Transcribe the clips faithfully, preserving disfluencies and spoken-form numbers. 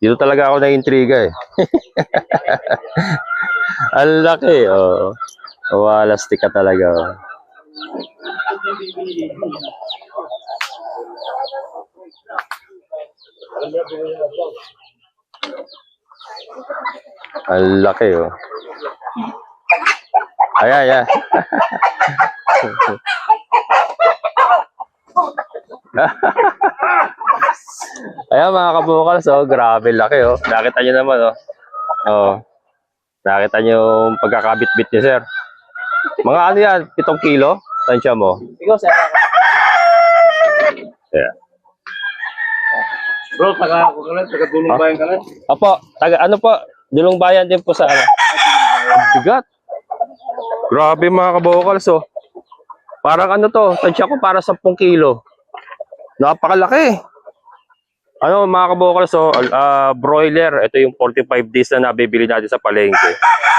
Dito talaga ako na-intriga eh. Ang laki, oh. Walastik ka talaga. Oh. Ang laki, oh. Ayan, ayan. Ayan mga kabukals, oh, grabe laki, oh. Nakita nyo naman, oh. Oh. Nakita nyo yung pagkakabit-bit niya, sir. Mga ano yan, pitong kilo? Tansya mo? Ikaw, sir. Yeah. Bro, taga ako ka lang, taga Dulong Bayan ka lang. Apo, taga ano po? Dulong Bayan din po sa ano. Bigat. Grabe mga kabukals, oh. Parang ano to, tansya ko para sampung kilo. Napakalaki. Ano mga kabukals, so, uh, broiler, ito yung forty-five days na nabibili natin sa palengke.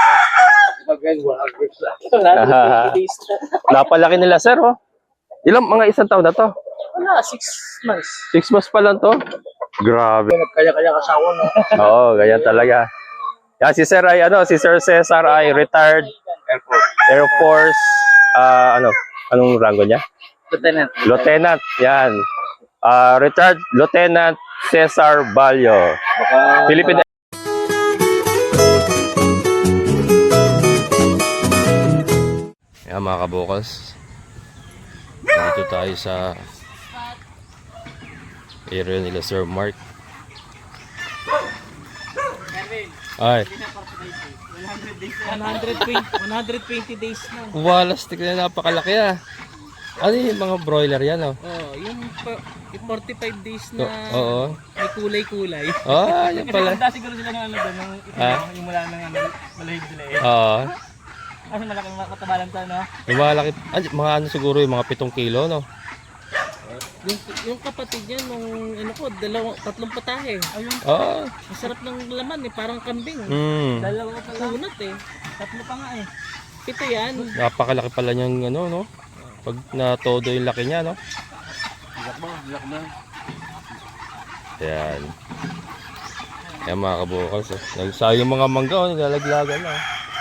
Napalaki nila, sir, oh. Ilang mga isang taon na to? Wala, six months. Six months pa lang to? Grabe. Kaya-kaya kasawa, no? Oo, ganyan talaga. Yan, si Sir ay, ano, si Sir Cesar ay retired Air Force. Air Force, uh, ano, anong rango niya? Lieutenant. Lieutenant, yan. Uh, retired Lieutenant Cesar Balyo. Baka... Philippine. Yan mga kabukals. Dito tayo sa area nila Sir Mark. Ay. one hundred twenty, one hundred twenty days na. Walastik na, napakalaki ah. Ano yung mga broiler yan, oh? Oh, yung forty-five days na Oo. Oh, may kulay-kulay. ah, yan pala. Kasi siguro sila ng ano doon, ng Ah? yung mula ng ano, malahib sila eh. Oo. Kasi malaking makatabalan to, no? Yung mga laki, ah, mga ano siguro yung mga pitong kilo, no? Yung, yung kapatid niya nung ano ko, dalawang, tatlong patahe. Ayun, Oo. masarap ng laman eh, parang kambing. Hmm. Dalawa pa lang. Kunat eh. Tatlo pa nga eh. Pito yan. Napakalaki pala niyang ano, no? Pag na-todo yung laki niya, no? Bilak mo, bilak mo. Ayan. Ayan mga kabukals, oh. Nagsayo yung mga mangga, oh. Naglalaglagan na, oh.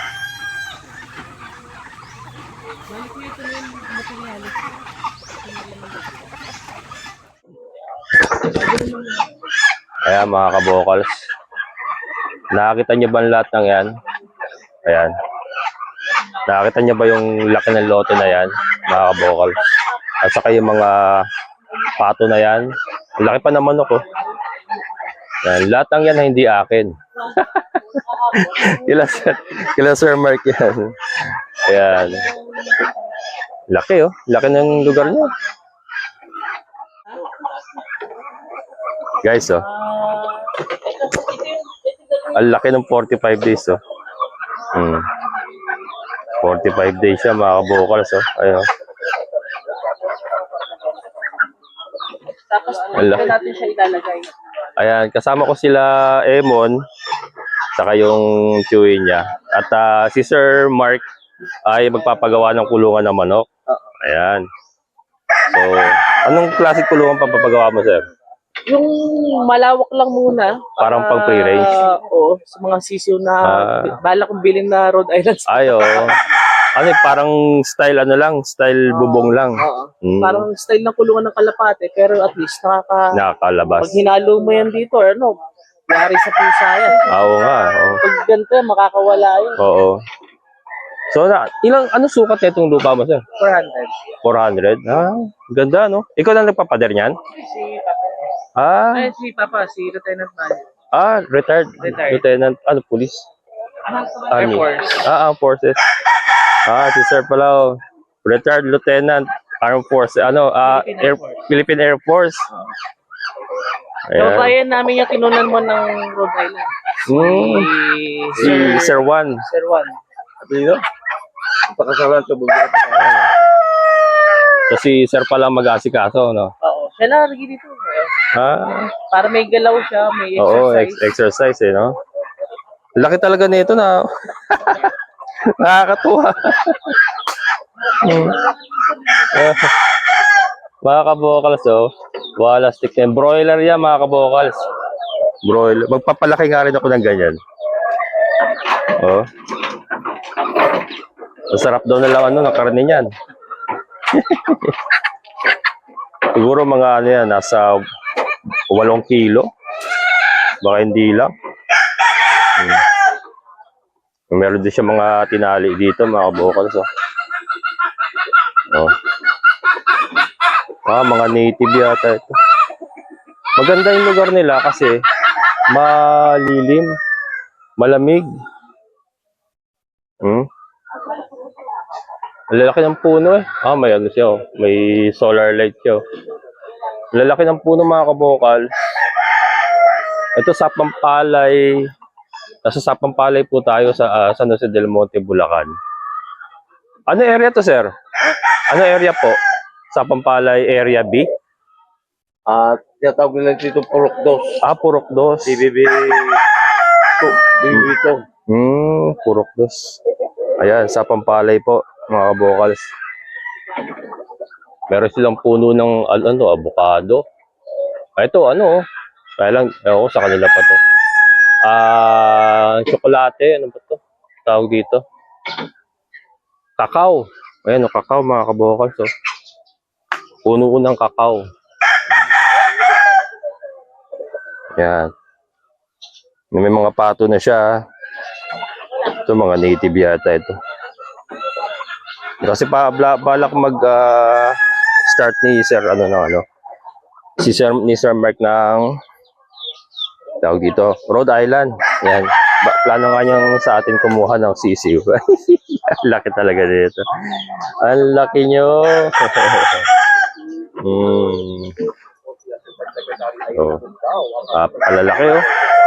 Balik mo ito na yung materialis. Ayan mga kabukals. Nakakita niyo ba ang lahat ng yan? Ayan. Nakakita niyo ba yung laki ng lote na yan, mga kabukals? At saka yung mga pato na yan. Ang laki pa naman ako. Yan. Lahat ng yan na hindi akin. kila, kila Sir Mark yan. Ayan. Laki, oh. Laki ng lugar niya. Guys, oh. Ang laki ng forty-five days, oh. Hmm. forty-five days siya, mga kabukals, oh. Ayun, oh. Tapos, Ang laki. natin siya ilalagay. Ayan, kasama ko sila Emon, saka yung chewy niya. At uh, si Sir Mark ay magpapagawa ng kulungan ng manok. Ayan. So, anong klaseng kulungan papapagawa mo, sir? Yung malawak lang muna. Parang pang free range? Uh, oo, sa mga sisiw na Ah. bala kong bilhin na Rhode Island. Ay, oo. Ano, eh, parang style ano lang, style bubong lang. Oo. Mm. Parang style ng kulungan ng kalapate, pero at least nakaka... Nakakalabas. Pag hinalo mo yan dito, ano, yari sa pusa yan. Ah, Oo nga, oo. Pag ganito yan, makakawala yun. Oo. So, na, ilang, ano sukat na itong lupa mo, sir? four hundred. four hundred? Ah, ganda, no? Ikaw lang nagpapader niyan? Si Papa. Ah, Ay, si Papa, si Lieutenant Man. ah, retired. Retired. Lieutenant, ano, police? Air Army. Force. Ah, Armed Forces. Ah, si Sir pala, oh. Retired Lieutenant, Armed Force. Ano, ah, Philippine Air, Air Force. Philippine Air Force. So, Ayan. bayan namin yung kinunan mo ng Rhode Island. Hmm. Si Si Sir Juan. Sir Juan. Dito? Pakasalan sa bugat. So, si Sir pala mag-asikaso, no? Oo. Siya lang lagi dito. Ah, Para may galaw siya, may oo, exercise. ex- exercise, eh, no? Laki talaga nito na. Nakakatuwa. Hmm. Eh, mga kabokals, oh. Walastik na. Broiler yan, mga kabokals. Broiler. Magpapalaki nga rin ako ng ganyan. Oh. Masarap daw na lang ano, ng karne niyan. Siguro mga ano yan, nasa walong kilo. Baka hindi lang. Hmm. Meron din siya mga tinali dito, mga kabokals. Oh. Oh. Ah, mga native yata ito. Maganda yung lugar nila kasi malilim, malamig. Hmm? Ang lalaki ng puno eh. Ah, may ano siya oh. May solar light siya oh. Ang lalaki ng puno mga kabokal. Ito sa Pampalay. Nasa Sapampalay po tayo sa uh, San Jose del Monte, Bulacan. Ano area to, sir? Ano area po? Sapampalay Area B? At tinatawag nila dito Purok Dos. Ah, Purok Dos. D B B two. D B B two. Hmm, Purok Dos. Ayan, Sapampalay po, mga kabokals. Meron silang puno ng ano, avocado. Ah, ito, ano, kaya lang, ewan ko sa kanila pa to. Ah, tsokolate, ano ba to? Tawag dito. Kakao. Ayan, o, kakao, mga kabokals. Oh. Puno ng kakao. Yan. May mga pato na siya. Ito, mga native yata ito. Kasi pa, bla, balak mag uh, start ni Sir, ano na, ano. Si Sir, ni Sir Mark ng tawag dito, Rhode Island. Yan. Ba, plano nga niyang sa atin kumuha ng sisiw. Ang laki talaga dito. Ang laki nyo. hmm. Oh. Ah, palalaki oh.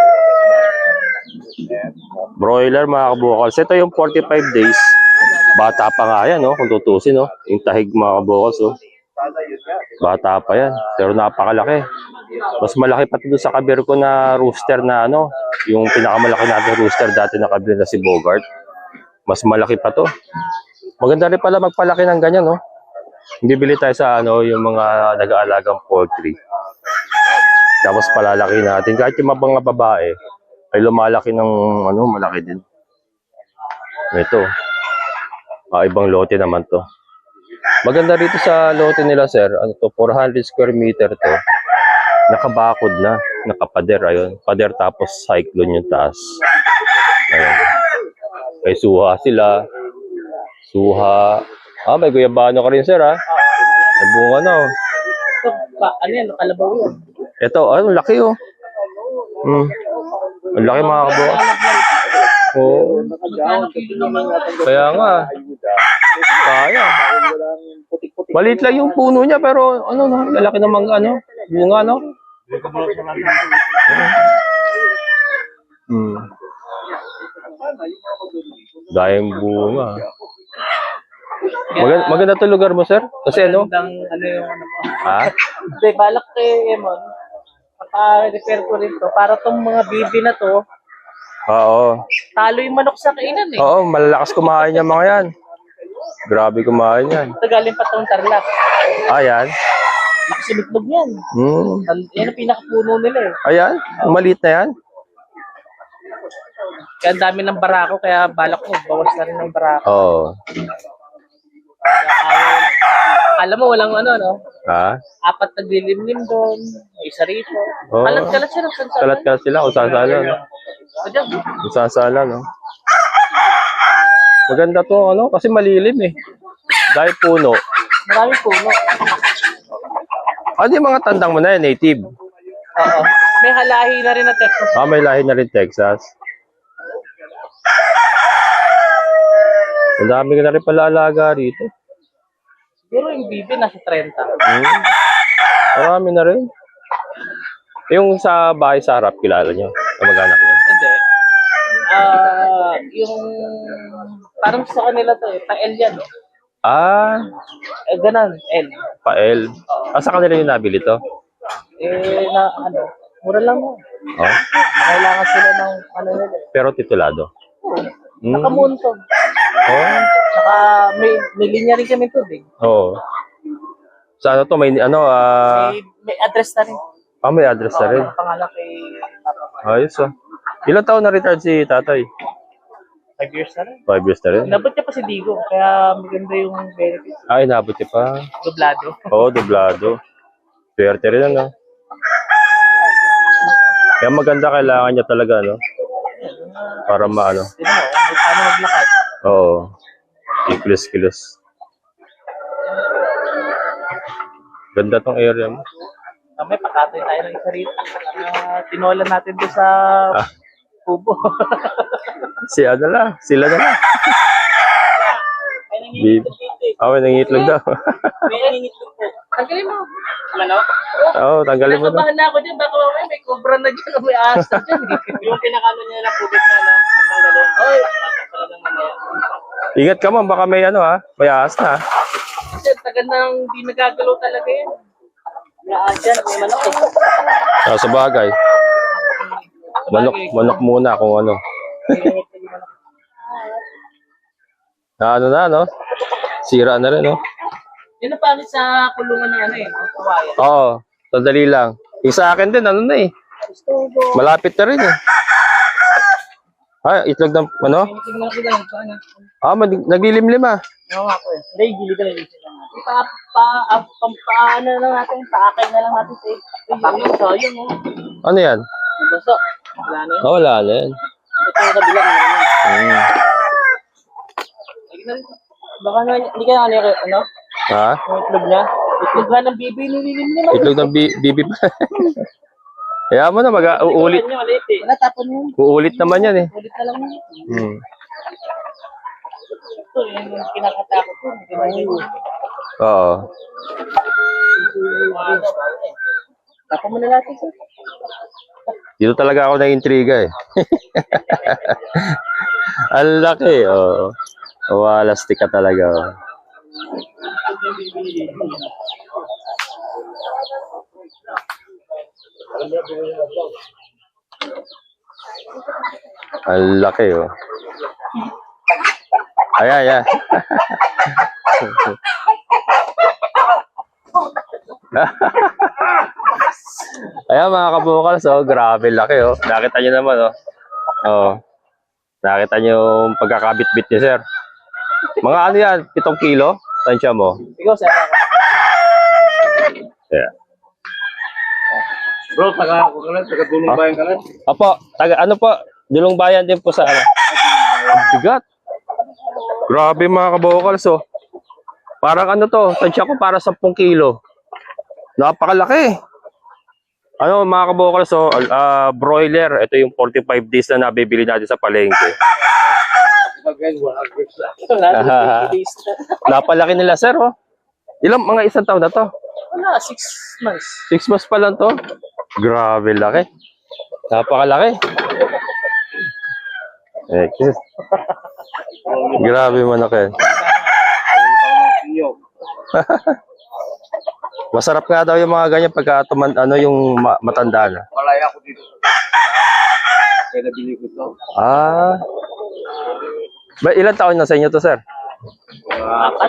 Broiler mga kabukals. Ito yung forty-five days. Bata pa nga yan, oh, kung tutusin, oh. Yung tahig mga kabukals, oh. Bata pa yan. Pero napakalaki. Mas malaki pa ito sa kabir ko na rooster na ano. Yung pinakamalaki natin rooster dati na kabir na si Bogart. Mas malaki pa to. Maganda rin pala magpalaki ng ganyan, no? Bibili tayo sa ano, yung mga nag-aalagang poultry. Tapos palalaki natin. Kahit yung mga babae, ay lumalaki ng ano, malaki din. Ito. Ah, ibang lote naman to. Maganda rito sa lote nila, sir. Ano to? four hundred square meter to. Nakabakod na. Nakapader, ayun. Pader tapos cyclone yung taas. Ayun. May suha sila. Suha. Ah, may guyabano ka rin, sir, ha? Nabunga na, oh. Ito, pa, ano yan? Kalabaw yun. Ito, ano, laki, oh. Hmm. Ang laki, mga kabo. Oo. Kaya nga. Kaya. Maliit lang yung puno niya, pero ano, no, lalaki ng mga, ano, bunga, no? Hmm. Dahil bunga. Maganda, maganda to lugar mo, sir? Kasi ano? Magandang, ano yung ano mo. Ha? Hindi, balak kay Emon. Paka-repair ko rin to. Para tong mga bibi na to, Oo. talo yung manok sa kainan eh. Oo, malalakas kumain yung mga yan. Grabe kumain yan. Ito galing pa tong Tarlac. Ah, yan. Nakasilutlog yan. Hmm. An- Yan ang pinakapuno nila eh. Ayan, maliit na yan. Kaya ang dami ng barako, kaya balak ko, bawas na rin ng barako. Oo. Kaya, alam mo, walang ano, no? Ha? Apat na dilimlim doon, may isa rito. Oo. Kalat-kalat siya ng sansalan. Kalat ka sila, kung sasala, no? Ayan, Kung sasala, no? Maganda to, ano? Kasi malilim, eh. Dahil puno. maraming puno. Ano yung mga tandang mo na yan, native? Oo. May halahi na rin na Texas. Ah, may lahi na rin Texas. Ang dami ka na rin pala alaga rito. Siguro yung bibi nasa thirty. Hmm. Marami na rin. Yung sa bahay sa harap, kilala nyo? Kamag-anak nyo? Hindi. Ah, yung parang sa kanila to eh, pa-L yan. Eh, Ah, eh ganun, L. pa-L. Ah, sa kanila yung nabili to? Eh, na ano, mura lang mo. Oh. Kailangan sila ng ano nila. eh. Pero titulado. Oo. Hmm. Nakamuntog. Oh. Saka may, may linya rin kami tubig. Oo. Sa ano to, may ano, ah, May, may address na rin. ah, may address na rin. Oo, pangalan kay Ayos ah. Ilang taon na retired si tatay? Five years na rin. Five years na rin. Nabot niya pa si Digo, kaya maganda yung benefits. Ay, nabot niya pa. Doblado. Oo, doblado. Swerte rin ano. Kaya maganda kailangan niya talaga, no? Para maano. Hindi mo, paano maglakad? Oo. Kilos-kilos. Ganda tong area mo. Mamaya pakatoy tayo ng isa rito. Uh, tinola natin doon sa Ah. kubo. Si ano lang, sila na lang. Ay, Bib. Ah, may nangitlog daw. May nangingitlog po. Tanggalin mo. Manok? Oo, tanggalin mo daw. Nakabahan na ako dyan. Baka mamaya may cobra na dyan o may ahas na dyan. Yung pinakano niya ng kubit na na. Tanggalin. Oy. Ingat ka man, baka may ano ha, may ahas na. Kasi tagal nang hindi nagagalaw talaga yan. May ahas dyan. May manok eh. Ah, sa bagay. Manok, manok muna kung ano. Na ano na, no? Sira na rin, no? Yun ang pangit sa kulungan ng ano eh. Ang kawayan. Oo, sandali lang. Yung sa akin din, ano na eh. Malapit na rin eh. Ay, itlog ng, ano? Tingnan ko lang. Paano? Ah, mag- naglilimlim ah. Oo nga po eh. Hindi, gili ka lang. Pa, pa, pa, pa, pa, ano na lang natin, paakay na lang natin sa ipakay. Sayang oh. Ano yan? Nabasa. Wala na yun. Ah, wala na yan. Ito yung kabila. Meron yun. Hmm. Tignan mo. Baka nga, hindi ka ano, ano? Ha? Yung itlog niya. Itlog nga ng bibi, nililim niya. Itlog ng bi- bibi pa. Kaya mo na, mag-uulit. Niya, maliit eh. Wala, tapon yun. Uulit naman yan eh. Ulit na lang yun. Hmm. Ito, yun yung kinakatakot ko. Oo. Tapon mo na natin sir. Dito talaga ako na-intriga eh. Ang laki, oo. Oh. Walastik ka talaga. Oh. Ang laki, oh. Ayan, ayan. Ayan mga kabukals, oh, grabe laki, oh. Nakita nyo naman, oh. Oh. Nakita nyo yung pagkakabit-bit ni sir. Mga ano yan, pitong kilo? Tansya mo? Ikaw sir. Yeah. Bro, taga ako ka lang, taga Dulong Bayan ka lang. Opo, taga ano po, Dulong Bayan din po sa ano. Ang bigat. Grabe mga kabukals, oh. Parang ano to, tansya ko para sampung kilo. Napakalaki. Ano mga kabukals, so, uh, broiler, ito yung forty-five days na nabibili natin sa palengke. Again, wala agres lang. Wala, days na. Napalaki nila sir, oh. Ilang mga isang taon na to? Wala, six months. Six months pa lang to. Grabe laki. Napakalaki. Eh, kiss. Grabe manaki. Masarap nga daw yung mga ganyan pagka tuman, ano yung ma- matanda na. Malaya ako dito. Kaya nabili ko to. Ah. Ba, ilang taon na sa inyo to, sir? Apat.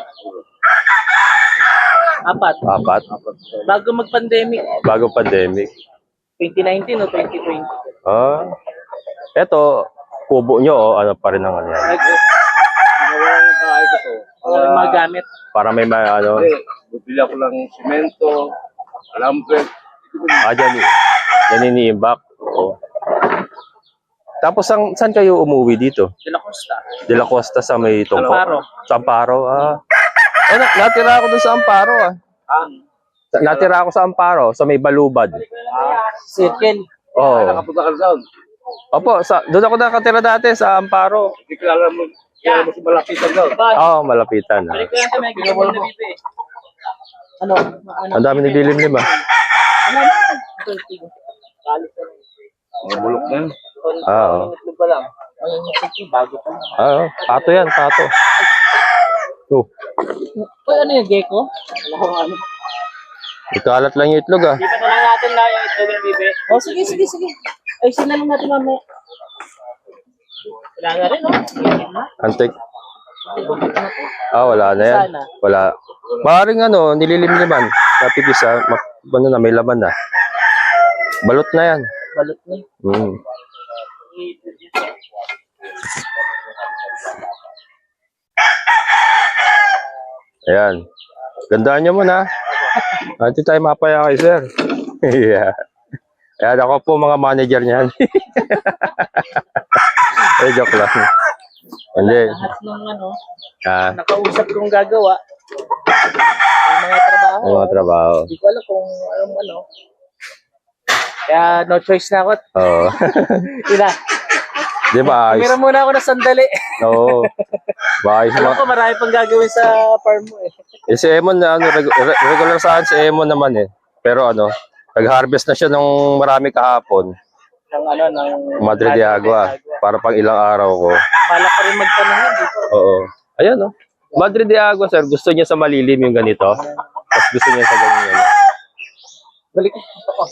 Apat. Apat. Bago mag-pandemic. Bago pandemic. twenty nineteen o twenty twenty. Ah. Eto, kubo nyo, oh, ano pa rin ang ano yan. Nag- Ginawa lang yung bahay ko to. Wala yung mga gamit. Para may mga ano. Kasi, bibili ako ng simento, lampet. Ah, dyan, yan iniimbak. Oo. Tapos, ang, saan kayo umuwi dito? De La Costa. De La Costa sa may tungko? Amparo. Sa Amparo, ah. Eh, na- natira ako dun sa Amparo, ah. Ah, Sa- Natira ako sa Amparo, sa may Balubad. Circle. Oo. nakapunta ka doon. Opo, sa, doon ako nakatira dati sa Amparo. Hindi ka alam mo, kaya mo si Malapitan doon. Oo, oh, malapitan. Ah. Balik ko yan sa may ginagawa na bibi. Ano? Ano? Ang dami naglilimlim, ah. Ano? Ito, ito. Kalit na lang. Mga bulok na yun. Ah, oo. Itlog pa lang. Ay, yung itlog, bago pa lang. Ah, oh, pato yan, pato. Oh, Uy, ano yung gecko? Wala ko ano. ikalat lang yung itlog, ah. Di ba na lang natin na yung itlog na bibi? Oh, sige, sige, sige. Ay, sina lang natin mamaya. Wala na rin, no? Antik. Ah, wala na yan. Sana. Wala. Maaaring ano, nililimliman. Napipisa, ma- ano na, may laman na. Balot na yan. balot na. Mm. Ayan. Gandaan niyo muna. Hindi tayo mapaya kay sir. Yeah. Ayan, ako po mga manager niyan. Eh, joke lang. Hindi. Lahat ng ano, Ah, nakausap kong gagawa. Yung mga trabaho. yung mga trabaho. Hindi ko alam kung anong ano. Kaya no choice na ako. Oo. Ina, Di ba ayos? kamera muna ako na sandali. Oo. Maayos Alam mga... ko marami pang gagawin sa farm mo eh. Eh, si Emon, ano, reg- re- regular saan si Emon naman eh. Pero ano, nag-harvest na siya nung marami kahapon. Ng ano, ng Madre de Agua. Para pang ilang araw ko. Malak pa rin magtanong yan dito. Oo. Ayan oh. Madre de Agua, sir. Gusto niya sa malilim yung ganito. Tapos gusto niya sa ganyan. Balik ko. Gusto ko.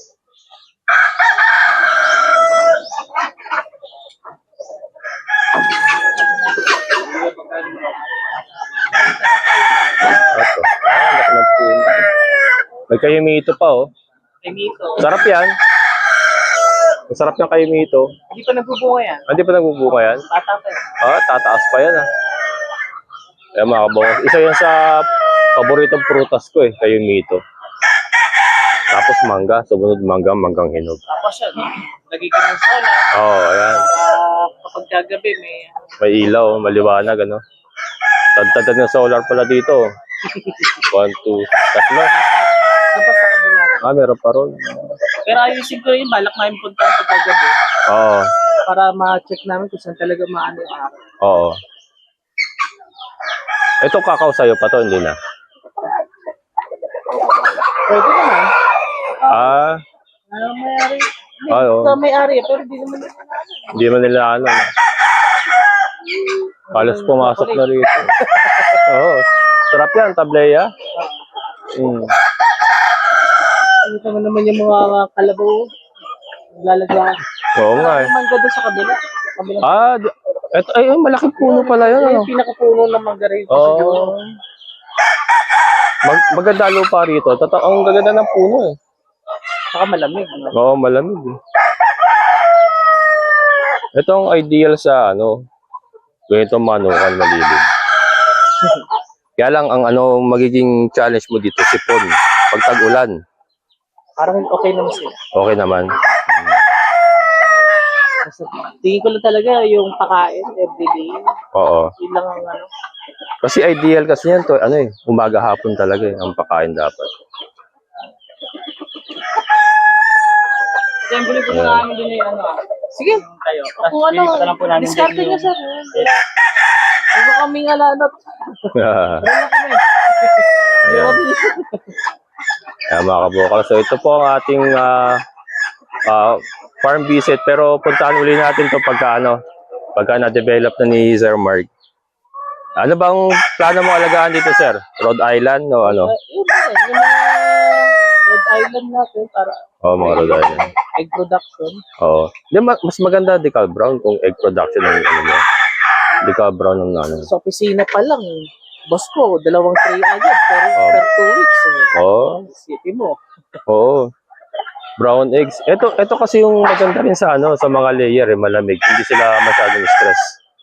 Ito. Ah, laki ng puno. May kayumito pa oh. Pinito. Sarap yan. Masarap yung kayumito. Hindi pa nagbubunga yan. Ah, Hindi pa nagbubunga yan? Bata pa eh. Ah, tataas pa yan ah. Ayan mga kabawas. Isa yan sa paboritong prutas ko eh, kayumito. Tapos mangga. Sumunod mangga, manggang hinog. Tapos yan. Lagi ka ng solar. Oo, oh, ayan. Para kapag gagabi may May ilaw, maliwanag ano. Tadtad ng solar pala dito. One, two, tatlo. tapos sa kabila. Ah, meron pa ron. Pero ayusin ko yun. Balak namin punta sa gagabi. Oo, Para ma-check namin kung saan talaga maano yung araw. oo. Ito kakao sa'yo pa to, hindi na. Pwede naman. Ah, Ano may-ari? Hindi, Ay, oo. ito may-ari. Pero di naman nila ano. hindi man nila ano. Halos pumasok na rito. Oo. Sarap yan, tableya. Mm. Ito naman yung mga kalabaw. Lalagyan. Oo nga eh. Ang mangga doon sa kabila. Kabila. Ah, di- eto, ay, oh, malaking puno pala yun. Ano? Yung pinakapuno ng mangga rin. Oo. Mag maganda lupa rito. Totoo, ang gaganda ng puno eh. Saka malamig. No? Oo, malamig eh. Ito ang ideal sa ano, ganito manukan malilim. Kaya lang ang ano magiging challenge mo dito, sipon. Pag tag-ulan, Parang okay naman sila. okay naman. Kasi tingin ko lang talaga yung pakain everyday. Oo. Yun lang ang ano. Kasi ideal kasi yan to, ano eh, umaga hapon talaga eh, ang pakain dapat. Kasi buli po Ayan. na namin din yung ano. ah. Sige. Kayo. Kung ano, Discarte niya sir. Huwag kaming alanot. Wala kami. Ayan. Ayan mga kabukal. So ito po ang ating ah, ah, farm visit. Pero puntahan uli natin to pagka ano, pagka na-develop na ni Sir Mark. Ano bang plano mo alagaan dito, sir? Rhode Island o ano? Uh, yun na rin. Yung mga Red Island natin para Oo, mga Rhode Island. egg production. Oo. Di, ma- mas maganda decal brown kung egg production ng ano mo. Decal brown ng ano. Sa opisina pa lang. Boss ko, dalawang tray agad. Pero Oh. per two weeks. Eh. Oo. Isipin mo. Oo. Brown eggs. Ito, ito kasi yung maganda rin sa ano, sa mga layer, eh, malamig. Hindi sila masyadong stress.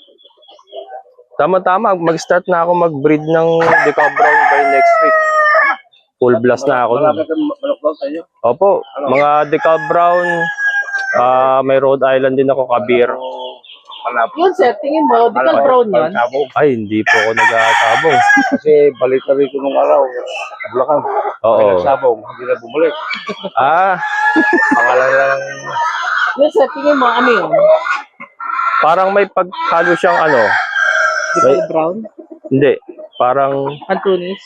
Tama-tama, mag-start na ako mag-breed ng decal brown by next week. Full blast na ako. Malapit Nun. ang manok daw sa inyo. Opo, mga decal brown, ah may Rhode Island din ako, kabir. Malapit. Yun sir, tingin mo, di ka brown yun? Sabong. Ay, hindi po ako nag-aasabong. Kasi balik na rito nung araw. Bulacan. Oo. Sabong. Hindi na bumalik. Ah, Pangalan lang. Yun sir, tingin mo, ano yun? parang may paghalo siyang ano. Di ka May- brown? Hindi, parang Antunis?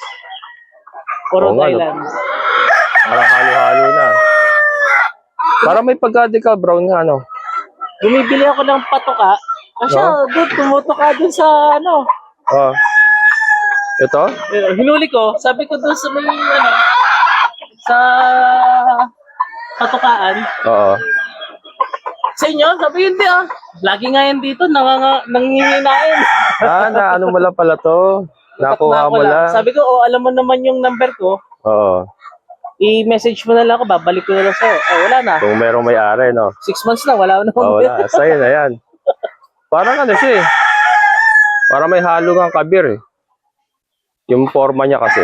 O Oo Rhode nga, no. Island? parang halo-halo na. Parang may pagka-decal brown nga, ano. Bumibili ako ng patoka. Kasi No? doon, tumutuka dun sa ano. Oh. Ito? Eh, hinuli ko, sabi ko doon sa may ano, sa patukaan. Oo. Sa inyo, sabi hindi ah. Lagi nga yan dito, nanganga, nanginginain. Ah, na ano mo lang pala to. Nakuha Nakuha ko mo lang. Sabi ko, oh, alam mo naman yung number ko. Oo. I-message mo na lang ako, babalik ko na lang sa'yo. Oh, wala na. Kung merong may-ari, no? Six months na, wala na. Oh, wala. Sa'yo na yan. Parang ano siya eh. Parang may halo ng kabir eh. Yung forma niya kasi.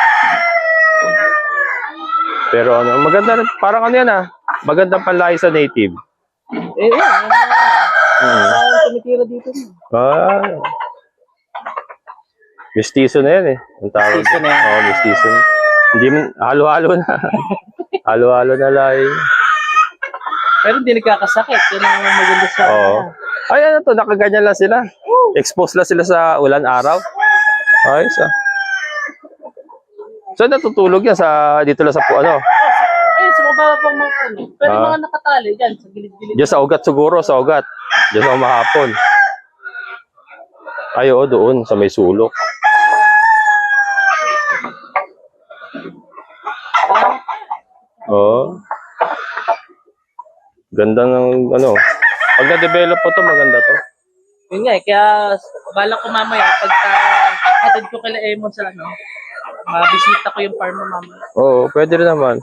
Pero ano, maganda rin. Parang ano yan ah. Magandang panlaki sa native. Eh, yan. yan, yan. Hmm. Saan tumitira dito? Ah. Mistiso na yan eh. Ang tawag. Mistiso na yan. Oo, mistiso na. Hindi mo, halo-halo na. Halo-halo na lang. Pero hindi nagkakasakit. Yan ang maganda sa... Oo. Ay, ano to, nakaganyan lang sila. Expose lang sila sa ulan araw. Ay, sa. So, natutulog yan sa, dito lang sa, pu- ano, Ayun, sa mababa pang mga ano. Pero Ah. mga nakatali dyan, sa gilid-gilid. diyan sa ugat siguro, sa ugat. Diyan sa mahapon. Ay, oo, doon, sa may sulok. Oo. Ganda ng, ano, pag na-develop po to, maganda to. Yun nga eh, kaya balak ko mamaya, pagka hatid ko kila Emon sa ano, mabisita ko yung farm mo mamaya. Oo, pwede rin naman.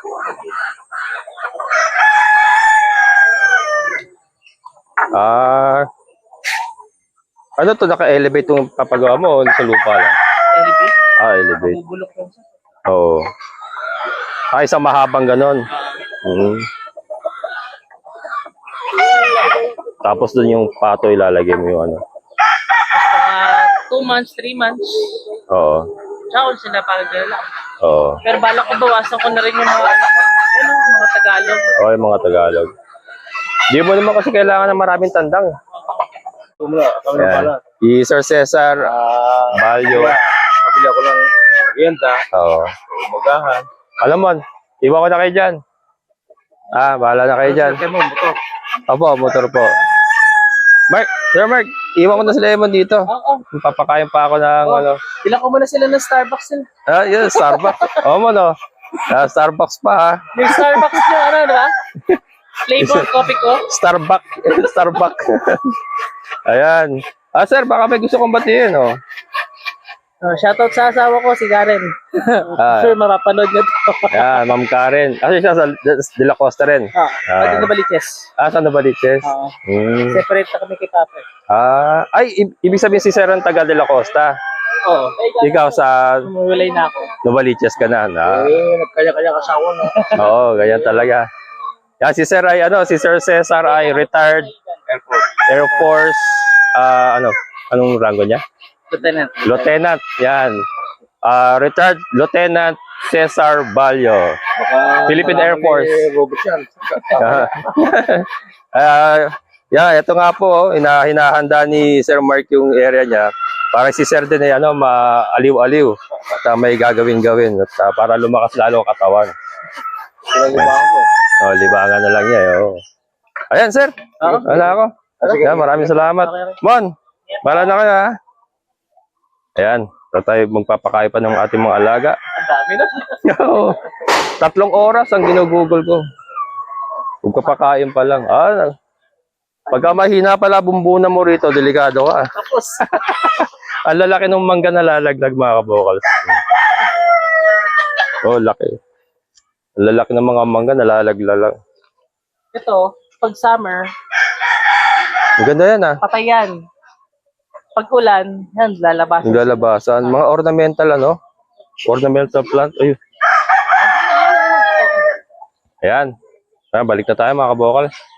Ah, ano to, naka-elevate yung papagawa mo o sa lupa lang? Elevate, Ah, elevate. bubulok lang siya. Oo. Ay, sa mahabang ganon. Mhm. Tapos dun yung pato ilalagay mo yung ano. Tapos mga two months, three months, Oo. tsaka ulit sila parang gano'n lang. Oo. Pero balak ko bawasan ko na rin yung mga, ano, mga Tagalog. Okay, mga Tagalog. Di mo naman kasi kailangan ng maraming tandang. Tumula, kami na Ayan. pala. Si Sir Cesar Ah, Balyo. kabili ako ng merienda, Oo. umagahan. Alam mo, iwan ko na kayo dyan. Ah, bahala na kayo dyan. Kaya mo, motor. Opo, motor po. Mark, Sir Mark, iwan ko na sila Lemon dito. Oo. Papakain pa ako ng Oh. ano. Ilan ko muna sila ng Starbucks nila. Ah, yun, Starbucks. Oo mo, no? Ah, Starbucks pa, ha? Yung Starbucks nyo, ano, di ba? Flavor coffee ko. Starbucks. Starbucks. Ayan. Ah, sir, baka may gusto kong batiin, oh. Uh, shoutout sa asawa ko, si Karen. Ah. Sure, mapapanood nyo to. Ayan, Ma'am Karen. Kasi siya sa De La Costa rin. Ah, Ah. pwede na baliches. Ah, saan na ba, Liches? Ah, Hmm. separate na kami kay Papa. Ah, ay, i- ibig sabihin si Sir ang taga De La Costa. Oo. Ikaw sa Umuwalay na ako. Novaliches ka na, na. Eh, nagkaya-kaya kasawa na. Oo, ganyan talaga. Yan, si Sir ay, ano, si Sir Cesar ay retired Airport. Air Force, ah, ano, anong rango niya? Lieutenant. Lieutenant, yan. Ah, retired Lieutenant Cesar Balyo. Baka Philippine Air kailangan Force. ni Robert yan. Ah, yeah, ito nga po, oh, ina hinahanda ni Sir Mark yung area niya. Para si Sir din ay ano, maaliw-aliw at ah, may gagawin-gawin at ah, para lumakas lalo ang katawan. Pinag-ibahan ko. Oh, libangan na lang niya, eh, oh. Ayan, Sir. Oo. Wala ako. Sige. Yan, maraming salamat. Mon, bala na kayo, ha? Ayan, ito tayo magpapakain pa ng ating mga alaga. Ang dami na. Oo. Tatlong oras ang ginugugol ko. Magpapakain pa lang. Ah, pagka mahina pala bumbunan mo rito, delikado ka. Tapos, Ang lalaki ng mangga na lalaglag, mga kabokals. Oh, laki. Ang lalaki ng mga mangga na lalaglag. ito, pag summer, Ang ganda yan, ah. patay yan. Pag ulan, yan, lalabas. Ang lalabasan. Mga ornamental, ano? Ornamental plant. Ayun. Ayan. Ah, balik na tayo, mga kabokals.